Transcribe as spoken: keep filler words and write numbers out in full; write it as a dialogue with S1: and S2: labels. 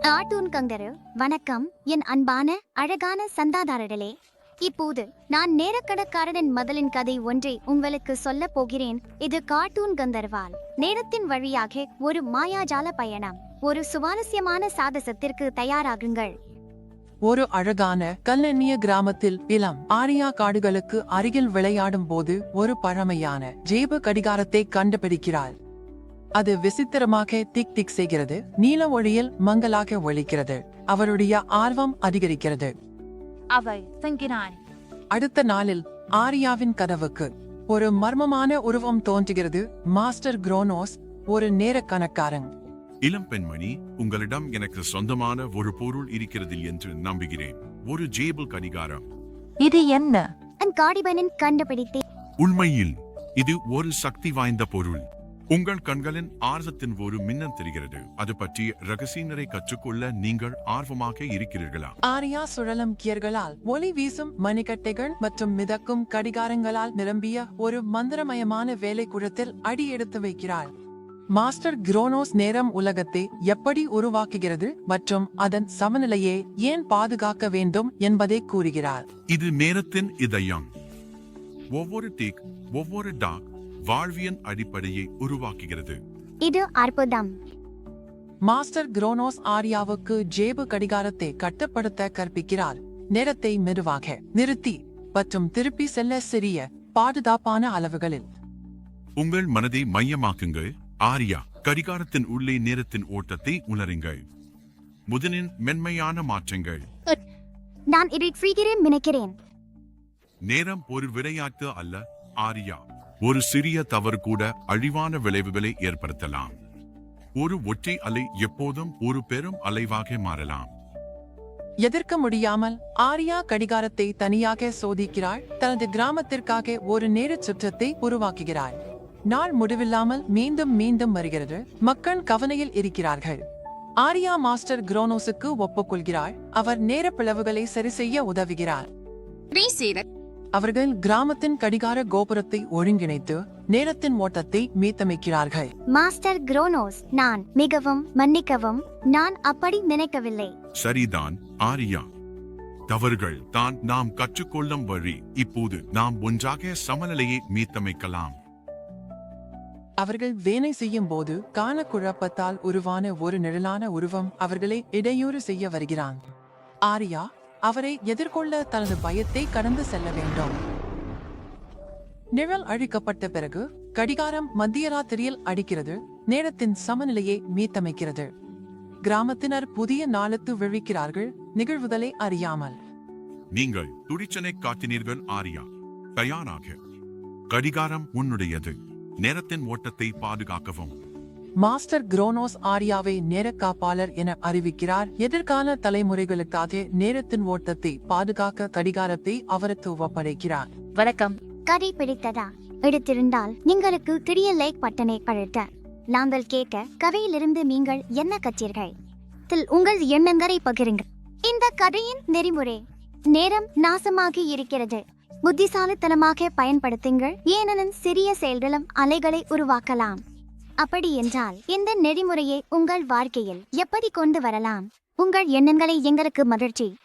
S1: Cartoon கங்கரு வணக்கம். என் அன்பான அழகான சந்தாதாரர்களே, இப்போது நான் நேரக்கணக்காரனின் மதலின் கதை ஒன்றை உங்களுக்கு சொல்ல போகிறேன். இது கார்ட்டூன் கந்தர்வால் நேரத்தின் வழியாக ஒரு மாயாஜால பயணம். ஒரு சுவாரஸ்யமான சாகசத்திற்கு தயாராகுங்கள்.
S2: ஒரு அழகான கல்லெண்ணிய கிராமத்தில் இளம் ஆரியா காடுகளுக்கு அருகில் விளையாடும் போது ஒரு பழமையான ஜேபு கடிகாரத்தை கண்டுபிடிக்கிறாள். அது விசித்திரமாக திக் திக் செய்கிறது, நீல ஒளியில் மங்கலாக ஒலிக்கிறது. அவருடைய ஆர்வம் அதிகரிக்கிறது.
S3: அவள் தங்கினான்.
S2: அடுத்த நாளில் ஆரியாவின் கதவுக்கு ஒரு மர்மமான உருவம் தோன்றுகிறது. மாஸ்டர் குரோனோஸ், ஒரு நேர கணக்காரன்.
S4: இளம் பெண்மணி, உங்களிடம் எனக்கு சொந்தமான ஒரு பொருள் இருக்கிறது என்று நம்புகிறேன். ஒரு ஜேபிள் கடிகாரம்.
S3: இது என்ன?
S1: அன் காடிபனின் கண்டுபிடித்தேன்.
S4: உண்மையில் இது ஒரு சக்தி வாய்ந்த பொருள். உங்கள் கண்களின் ஆர்வத்தின் ஒரு மின்னல் தெரிகிறது. அது பற்றி ரகசியங்களை கற்றுக்கொள்ள நீங்கள் ஆர்வமாக இருக்கிறீர்களா?
S2: ஆரியா சுழலும் கியர்களால் ஒளி வீசும் மணிக்கட்டைகள் மற்றும் மிதக்கும் கடிகாரங்களால் நிரம்பிய ஒரு மந்திரமயமான வேலைக்குழத்தில் அடி எடுத்து வைக்கிறாள். மாஸ்டர் குரோனோஸ் நேரம் உலகத்தை எப்படி உருவாக்குகிறது மற்றும் அதன் சமநிலையை ஏன் பாதுகாக்க வேண்டும் என்பதை கூறுகிறார்.
S4: இது நேரத்தின் இதயம். ஒவ்வொரு டீக், ஒவ்வொரு டாக் வாழ்வியன் அடிப்படையை உருவாக்குகிறது.
S1: இது அற்புதம்.
S2: மாஸ்டர் குரோனோஸ் ஆரியாவுக்கு ஜேபு கடிகாரத்தை கட்டுப்படுத்த கற்பிக்கிறார். நேரத்தை மெதுவாக நிறுத்தி மற்றும் திருப்பி செல்ல சிறிய பாதுகாப்பான அளவுகளில்.
S4: உங்கள் மனதை மையமாக்குங்கள். ஆரியா, கடிகாரத்தின் உள்ளே நேரத்தின் ஓட்டத்தை உணருங்கள். முதலின் மென்மையான மாற்றங்கள்.
S1: நான் இதை செய்கிறேன் நினைக்கிறேன்.
S4: நேரம் ஒரு விளையாட்டு அல்ல ஆரியா. ஒரு சிறிய தவறு கூட அழிவான விளைவுகளை ஏற்படுத்தலாம். ஒரு ஒற்றை அலை எப்போதும் ஒரு பெரும் அலைவாக மாறலாம்.
S2: எதிர்க்க முடியாமல் ஆரியா கடிகாரத்தை தனியாக சோதிக்கிறாள். தனது கிராமத்திற்காக ஒரு நேர சுற்றத்தை உருவாக்குகிறாள். நாள் முடிவில்லாமல் மீண்டும் மீண்டும் வருகிறது. மக்கள் கவனையில் இருக்கிறார்கள். ஆரியா மாஸ்டர் குரோனோஸுக்கு ஒப்புக்கொள்கிறாள். அவர் நேர பிளவுகளை சரி செய்ய உதவுகிறார். அவர்கள் கிராமத்தின் கடிகார கோபுரத்தை ஒருங்கிணைத்து நேரத்தின் ஓட்டத்தை மீட்டமைக்கிறார்கள்.
S1: மாஸ்டர் குரோனோஸ், நான் மிகவும் மன்னிக்கவும், நான் அப்படி நினைக்கவில்லை.
S4: சரிதான் ஆரியா, தவறுகள் தான் நாம் கற்றுக்கொள்ளும் வழி. இப்போது நாம் ஒன்றாக சமநிலையை மீட்டமைக்கலாம்.
S2: அவர்கள் வேலை செய்யும் போது காண குழப்பத்தால் உருவான ஒரு நிழலான உருவம் அவர்களை இடையூறு செய்ய வருகிறான். ஆரியா அவரை எதிர்கொள்ள தனது பயத்தை கடந்து செல்ல வேண்டும். நிழல் அழிக்கப்பட்ட பிறகு கடிகாரம் மத்தியராத்திரியில் அடிக்கிறது. நேரத்தின் சமநிலையை மீட்டமைக்கிறது. கிராமத்தினர் புதிய நாளுக்கு விழிக்கிறார்கள், நிகழ்வுகளை அறியாமல்.
S4: நீங்கள் துடிச்சனை காட்டினீர்கள் ஆரியா. தயாராக. கடிகாரம் உன்னுடையது. நேரத்தின் ஓட்டத்தை பாதுகாக்கவும்.
S2: மாஸ்டர் குரோனோஸ் ஆரியாவை நேர காப்பாளர் என அறிவிக்கிறார். எதிர்கால தலைமுறைகளுக்காக நேரத்தின் ஓட்டத்தை பாதுகாக்க கடிகாரத்தை அவருக்கு ஒப்படைக்கிறார்.
S3: வணக்கம்.
S1: கதை பிடித்ததா? எடுத்திருந்தால் നിങ്ങൾക്ക് பெரிய லைக் பட்டனை அழுத்த. நாங்கள் கேட்க கதையிலிருந்து நீங்கள் என்ன கற்றீர்கள்? உங்கள் எண்ணங்களை பகிருங்கள். இந்த கதையின் நெறிமுறை: நேரம் நாசமாகி இருக்கிறது. புத்திசாலித்தனமாக பயன்படுத்துங்கள், ஏனெனில் சிறிய செயல்களும் அலைகளை உருவாக்கலாம். அப்படி என்றால் இந்த நெறிமுறையை உங்கள் வாழ்க்கையில் எப்படி கொண்டு வரலாம்? உங்கள் எண்ணங்களை எங்களுக்கு மகிழ்ச்சி